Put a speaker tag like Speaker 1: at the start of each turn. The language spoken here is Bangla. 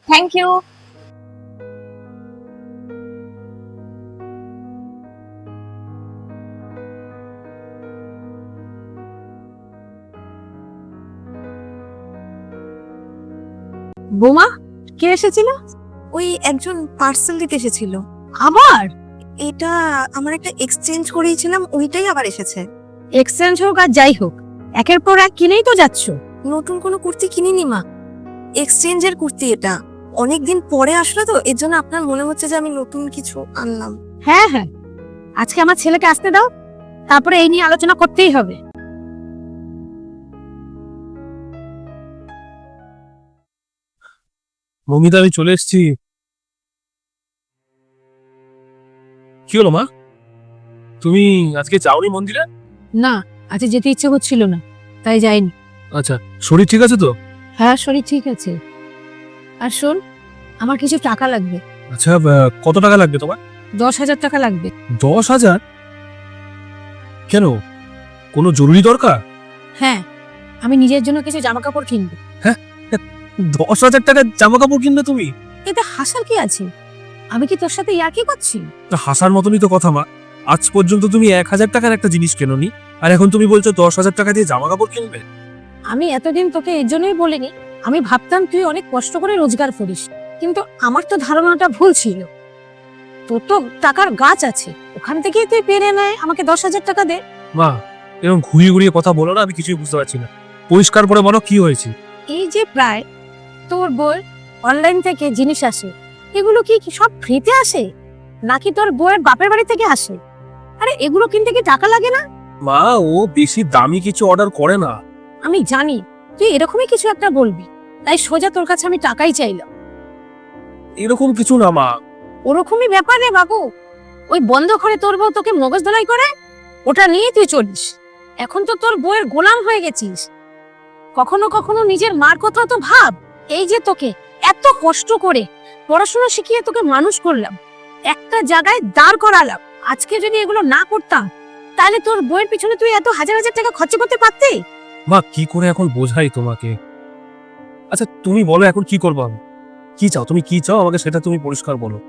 Speaker 1: Thank you.
Speaker 2: বোমা, কে এসেছিল?
Speaker 3: ওই একজন পার্সেল দিতে এসেছিল।
Speaker 2: আবার
Speaker 3: এটা আমার একটা এক্সচেঞ্জ করিয়েছিলাম, ওইটাই আবার এসেছে।
Speaker 2: এক্সচেঞ্জ হোক আর যাই হোক, একের পর এক কিনেই তো যাচ্ছ।
Speaker 3: নতুন কোনো কুর্তি কিনিনি মা, এক্সচেঞ্জের কুর্তি এটা। অনেকদিন পরে আসলো তো, এর জন্য আপনার মনে হচ্ছে যে আমি নতুন কিছু আনলাম।
Speaker 2: হ্যাঁ হ্যাঁ, আজকে আমার ছেলেকে আসতে দাও, তারপরে এই নিয়ে আলোচনা করতেই হবে।
Speaker 4: মমিতা, আমি চলে এসেছি। কি হলো মা, তুমি আজকে যাওনি মন্দিরে?
Speaker 2: না, আজকে যেতে ইচ্ছে হচ্ছিল না, তাই যাইনি।
Speaker 4: আচ্ছা, শরীর ঠিক আছে তো?
Speaker 2: হ্যাঁ, শরীর ঠিক আছে। আর শোন, আমার কিছু টাকা লাগবে।
Speaker 4: আচ্ছা, কত টাকা লাগবে তোমার?
Speaker 2: 10,000 টাকা লাগবে।
Speaker 4: 10,000? কেন, কোনো জরুরি দরকার?
Speaker 2: হ্যাঁ, আমি নিজের জন্য কিছু জামা কাপড় কিনবো।
Speaker 4: 10,000 টাকার জামা কাপড় কিনবে তুমি?
Speaker 2: এতে হাসার কি আছে? আমি কি তোর সাথে ইয়ার্কি করছি?
Speaker 4: তা হাসার মতনই তো কথা মা। আজ পর্যন্ত তুমি 1,000 টাকার একটা জিনিস কেননি, আর এখন তুমি বলছো 10,000 টাকা দিয়ে জামা কাপড় কিনবে?
Speaker 2: আমি এতদিন তোকে এর জন্যই বলিনি। আমি ভাবতাম তুই অনেক কষ্ট করে রোজগার করিস, কিন্তু আমার তো ধারণাটা ভুল ছিল। তোর তো টাকার গাছ আছে, ওখান থেকেই তুই পেরে নেয় আমাকে 10,000 টাকা দে।
Speaker 4: মা, এরকম ঘুরিয়ে ঘুরিয়ে কথা বলো না, আমি কিছুই বুঝতে পারছি না। পরিষ্কার করে বলো কি হয়েছে।
Speaker 2: এই যে প্রায় তোর বই অনলাইন থেকে জিনিস আসে, এগুলো কি কি সব ফ্রিতে আসে নাকি তোর বইয়ের বাপের বাড়ি থেকে আসে? আরে এগুলো কিনতে কি টাকা লাগে না?
Speaker 4: মা, ও বেশি দামি কিছু অর্ডার করে না।
Speaker 2: আমি জানি তুই এরকমই কিছু একটা বলবি, তাই সোজা তোর কাছে আমি টাকাই চাইলাম।
Speaker 4: এরকম কিছু না মা।
Speaker 2: ওরকমই ব্যাপার রে বাবু। ওই বন্ধ করে তোর বউ তোকে মগজ ধলাই করে, ওটা নিয়ে তুই চলিস। এখন তো তোর বউয়ের গোলাম হয়ে গেছিস। কখনো কখনো নিজের মার কথা তো ভাব। এই যে তোকে এত কষ্ট করে পড়াশোনা শিখিয়ে তোকে মানুষ করলাম, একটা জায়গায় দাঁড় করালাম, আজকে যদি এগুলো না করতাম তাহলে তোর বউয়ের পিছনে তুই এত হাজার হাজার টাকা খরচ করতে পারতি?
Speaker 4: মা, কি করে এখন বোঝাই তোমাকে? আচ্ছা তুমি বলো এখন কি করবো আমি? কি চাও, তুমি কি চাও আমাকে সেটা তুমি পরিষ্কার বলো।